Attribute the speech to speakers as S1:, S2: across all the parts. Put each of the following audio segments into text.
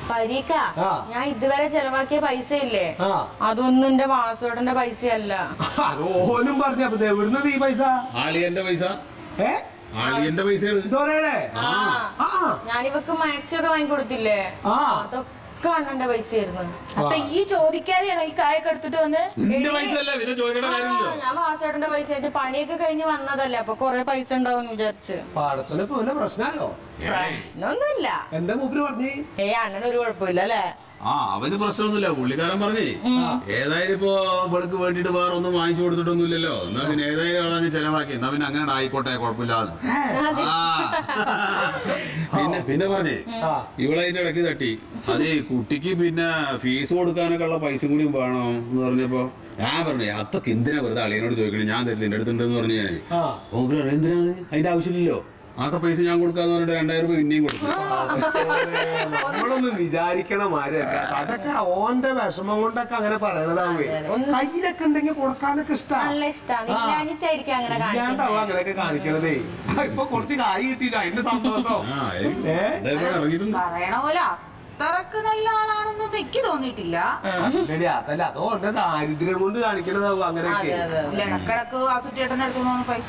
S1: പരീക്ക ഞാൻ ഇതുവരെ ചെലവാക്കിയ പൈസ ഇല്ലേ അതൊന്നും എന്റെ വാസോടന്റെ പൈസയല്ല.
S2: ഓനും പറഞ്ഞു അപ്പൊ എവിടുന്ന് ഈ പൈസ?
S3: ആളിയന്റെ പൈസ. ആളിയന്റെ പൈസ
S1: ഞാനിവക്ക് മാക്സി ഒക്കെ വാങ്ങിക്കൊടുത്തില്ലേ, അതൊക്കെ അണ്ണന്റെ പൈസയായിരുന്നു.
S4: അപ്പൊ ഈ ചോദിക്കാതെയാണോ ഈ കായൊക്കെ എടുത്തിട്ട് വന്ന്?
S1: ഞാൻ വാസോടന്റെ പൈസ വെച്ച് പണിയൊക്കെ കഴിഞ്ഞ് വന്നതല്ലേ, അപ്പൊ കൊറേ പൈസ ഉണ്ടാവും വിചാരിച്ച്. പ്രശ്നമൊന്നുമില്ല.
S2: എന്താ മൂപ്പര് പറഞ്ഞേ?
S1: അണ്ണന് ഒരു കുഴപ്പമില്ല അല്ലേ?
S3: അവന് പ്രശ്നമൊന്നുമില്ല. പുള്ളിക്കാരൻ പറഞ്ഞേ ഏതായാലും ഇപ്പൊ ഇവൾക്ക് വേണ്ടിട്ട് വേറെ ഒന്നും വാങ്ങിച്ചു കൊടുത്തിട്ടൊന്നുമില്ലല്ലോ, എന്നാ പിന്നെ ഏതായാലും അവളങ്ങ് ചെലവാക്കി, എന്നാ പിന്നെ അങ്ങനെ ആയിക്കോട്ടെ കുഴപ്പമില്ലാന്ന്. പിന്നെ പറഞ്ഞേ ഇവളതിന്റെ ഇടയ്ക്ക് തട്ടി അതേ കുട്ടിക്ക് പിന്നെ ഫീസ് കൊടുക്കാനൊക്കെ ഉള്ള പൈസ കൂടി വേണോ എന്ന് പറഞ്ഞപ്പോ ഞാൻ പറഞ്ഞു അതൊക്കെ എന്തിനാ വെറുതെ അളിയനോട് ചോദിക്കണേ, ഞാൻ തരില്ല എന്റെ അടുത്തുണ്ടെന്ന് പറഞ്ഞു. ഞാൻ എന്തിനാ അതിന്റെ ആവശ്യമില്ലല്ലോ, ആക്കെ പൈസ ഞാൻ കൊടുക്കാന്ന് പറഞ്ഞിട്ട് 2000 രൂപ പിന്നെയും കൊടുക്കും.
S2: നമ്മളൊന്നും വിചാരിക്കണം ആരല്ല, അതൊക്കെ ഓന്റെ വിഷമം കൊണ്ടൊക്കെ അങ്ങനെ പറയണതാവേ. കയ്യിലൊക്കെ ഉണ്ടെങ്കിൽ കൊടുക്കാനൊക്കെ ഇഷ്ടാണ്ടാവും അങ്ങനെയൊക്കെ കാണിക്കണതേ. ഇപ്പൊ കുറച്ച് കായ് കിട്ടിയില്ല, അതിന്റെ സന്തോഷം.
S4: പറയണ പോലെ അത്രക്ക് നല്ല ആളാണെന്നൊന്നും എനിക്ക് തോന്നിയിട്ടില്ല.
S2: അതല്ല, അതോ ഓന്റെ ദാരിദ്ര്യം കൊണ്ട് കാണിക്കണതാവും അങ്ങനെയൊക്കെ.
S4: ഇടക്കിടക്ക് വാസുട്ടേട്ടൻ എടുക്കുന്ന പൈസ.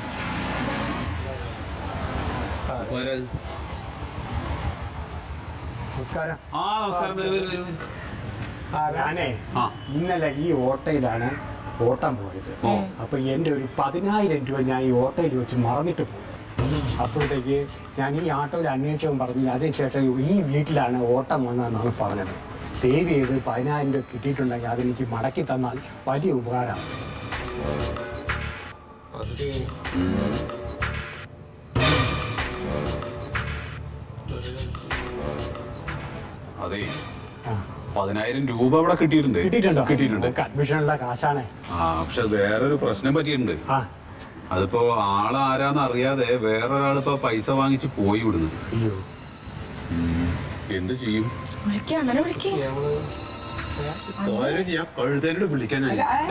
S5: ഞാനേ ഇന്നലെ ഈ ഓട്ടയിലാണ് ഓട്ടം പോയത്. അപ്പൊ എന്റെ ഒരു 10,000 രൂപ ഞാൻ ഈ ഓട്ടയിൽ വെച്ച് മറന്നിട്ട് പോയി. അപ്പോഴത്തേക്ക് ഞാൻ ഈ ആട്ടോയിൽ അന്വേഷിച്ചവൻ പറഞ്ഞു അതിനുശേഷം ഈ വീട്ടിലാണ് ഓട്ടം വന്നതെന്നാണ് പറഞ്ഞത്. സേവ് ചെയ്ത് 10,000 രൂപ കിട്ടിയിട്ടുണ്ടെങ്കിൽ അതെനിക്ക് മടക്കി തന്നാൽ വലിയ ഉപകാരമാണ്.
S3: അതെ 10,000 രൂപ അവിടെ കിട്ടിയിട്ടുണ്ട്.
S5: അഡ്മിഷനുള്ള കാശാണ്.
S3: പക്ഷെ വേറൊരു പ്രശ്നം പറ്റിയിട്ടുണ്ട്. അതിപ്പോ ആളാരാന്ന് അറിയാതെ വേറൊരാളിപ്പോ പൈസ വാങ്ങിച്ച് പോയി വിടുന്നു. എന്ത് ചെയ്യും? കഴുതേനോട് വിളിക്കാൻ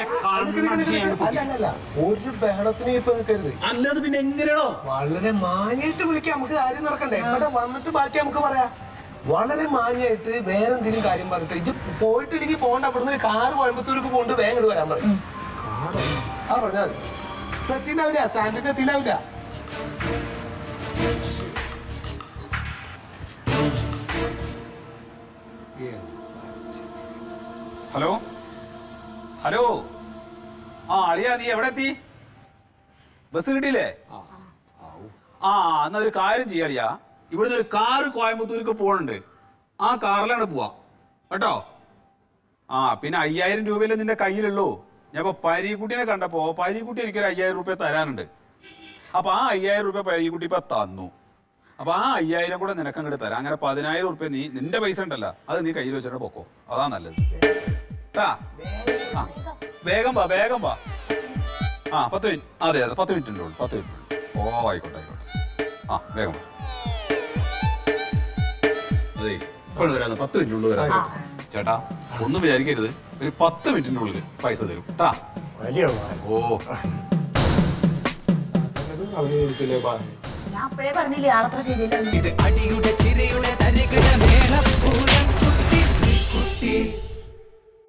S2: ഒരു ബഹളത്തിന് ഇപ്പൊ നിൽക്കരുത്.
S3: അല്ലാതെ പിന്നെ എങ്ങനെയാണോ
S2: വളരെ മാന്യായിട്ട് വിളിക്കാം, നമുക്ക് കാര്യം നടക്കണ്ടേ? ഇവിടെ വന്നിട്ട് ബാക്കി നമുക്ക് പറയാം. വളരെ മാന്യായിട്ട് വേറെ എന്തെങ്കിലും കാര്യം പറഞ്ഞിട്ട് ഇത് പോയിട്ടില്ലെങ്കിൽ പോകണ്ട, അവിടുന്ന് കാറ് കോയമ്പത്തൂർക്ക് പോണ്ട് വേഗം ഇങ്ങോട്ട് വരാൻ പറയും. പറഞ്ഞാൽ എത്തിണ്ടാവില്ല, സ്റ്റാൻഡിൽ എത്തിണ്ടാവില്ല.
S3: ഹലോ ഹലോ അളിയാ നീ എവിടെ എത്തി? ബസ് കിട്ടിയില്ലേ? എന്നാ ഒരു കാര്യം ചെയ്യാളിയാ, ഇവിടുന്ന് ഒരു കാറ് കോയമ്പത്തൂർക്ക് പോകണുണ്ട്, ആ കാറിലാണ് പോവാ കേട്ടോ. പിന്നെ 5000 രൂപയിലെ നിന്റെ കയ്യിലുള്ളൂ. ഞാൻ ഇപ്പൊ പരീക്കുട്ടിനെ കണ്ടപ്പോ പരീക്കുട്ടി എനിക്കൊരു 5000 രൂപ തരാനുണ്ട്. അപ്പൊ ആ 5000 രൂപ പരീക്കുട്ടി ഇപ്പൊ തന്നു. അപ്പൊ ആ 5000 കൂടെ നിനക്ക് അങ്ങോട്ട് തരാം. അങ്ങനെ 10,000 രൂപ നീ നിന്റെ പൈസ ഉണ്ടല്ലോ അത് നീ കയ്യിൽ വെച്ചിട്ട് പൊക്കോ, അതാ നല്ലത്. വേഗം വാ 10 മിനിറ്റ്. അതെ 10 മിനിറ്റ് ഉള്ളൂ, 10 മിനിറ്റ്. ആയിക്കോട്ടെ വേഗം വാ. അതെ ഇപ്പോഴും വരാം, 10 മിനിറ്റിനുള്ളിൽ വരാം. ചേട്ടാ ഒന്നും വിചാരിക്കരുത്, ഒരു 10 മിനിറ്റിനുള്ളിൽ പൈസ തരും കേട്ടാ.
S4: ഞാൻ അപ്പോഴേ പറഞ്ഞില്ലേ ആളത്ര ശരിയല്ല.
S6: അടിയുടെ ചിരയുടെ തരികിട മേളപ്പൂരം കുട്ടീസ്